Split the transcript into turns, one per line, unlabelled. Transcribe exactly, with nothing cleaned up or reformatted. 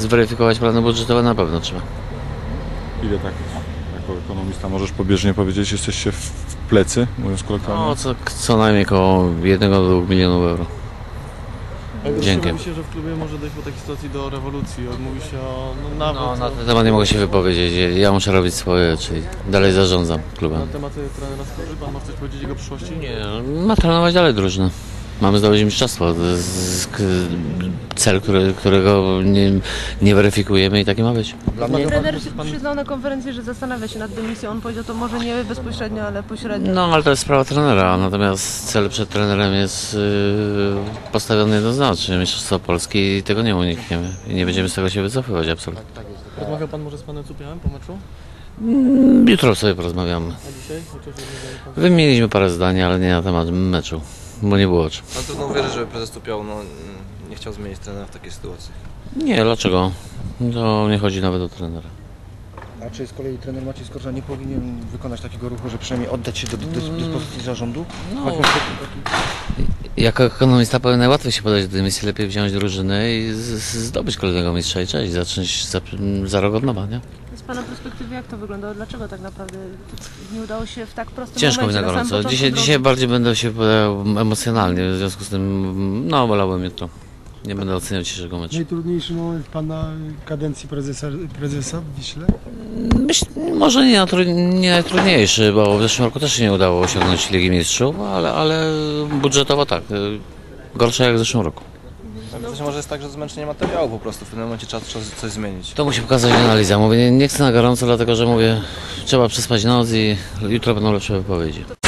zweryfikować plany budżetowe na pewno trzeba.
Ile tak jako ekonomista możesz pobieżnie powiedzieć, jesteście w w plecy, mówiąc kolokwialnie?
No, co, co najmniej około jednego do dwóch milionów euro. Dzięki.
Mówi się, że w klubie może dojść po takiej sytuacji do rewolucji. Mówi się o no, nawet
No, na
o,
ten temat nie mogę się wypowiedzieć. Ja muszę robić swoje, czyli dalej zarządzam
na
klubem.
tematy trenera Skorzy. Pan ma coś powiedzieć o jego przyszłości?
Nie, ma trenować dalej drużynę. Mamy zdobyć mistrzostwo. To jest k- cel, który, którego nie, nie weryfikujemy i taki ma być.
Trener przyznał na konferencji, że zastanawia się nad dymisją. On powiedział to może nie bezpośrednio, ale pośrednio.
No, ale to jest sprawa trenera, natomiast cel przed trenerem jest yy, postawiony jednoznacznie. Mistrzostwo Polski i tego nie unikniemy. I nie będziemy z tego się wycofywać absolutnie.
Rozmawiał pan może z panem Cupiałem po meczu?
Jutro sobie porozmawiamy.
A dzisiaj? Chociaż rozmawiali pan...
Wymieniliśmy parę zdań, ale nie na temat meczu, bo nie było o czym.
No trudno uwierzyć, żeby prezes Tupiał no, nie chciał zmienić trenera w takiej sytuacji.
Nie, dlaczego? To nie chodzi nawet o trenera.
A czy z kolei trener Maciej Skorża nie powinien wykonać takiego ruchu, że przynajmniej oddać się do do- dyspozycji zarządu?
No,
Chociaż taki-
jako ekonomista powiem najłatwiej się podać do dymisji, lepiej wziąć drużynę i z, z, zdobyć kolejnego mistrza i cześć, zacząć za, za rok od nowa, nie?
Z pana perspektywy jak to wyglądało? Dlaczego tak naprawdę nie udało się w tak prostym
Ciężko mi
momencie?
na
samym
gorąco.
początku
Dzisiaj,
drogi?
dzisiaj bardziej będę się podał emocjonalnie, w związku z tym, no, wolałbym jutro. Nie będę oceniał dzisiejszego meczu.
Najtrudniejszy moment pana kadencji prezesa, prezesa w Wiśle?
Myśl, może nie, natru- nie najtrudniejszy, bo w zeszłym roku też się nie udało osiągnąć Ligi Mistrzów, ale, ale budżetowo tak. y, Gorsze jak w zeszłym roku.
Być może jest tak, że zmęczenie materiału po prostu. W pewnym momencie trzeba coś, coś zmienić.
To musi pokazać analiza. Mówię, nie, nie chcę na gorąco, dlatego że mówię, trzeba przespać noc i jutro będą lepsze wypowiedzi.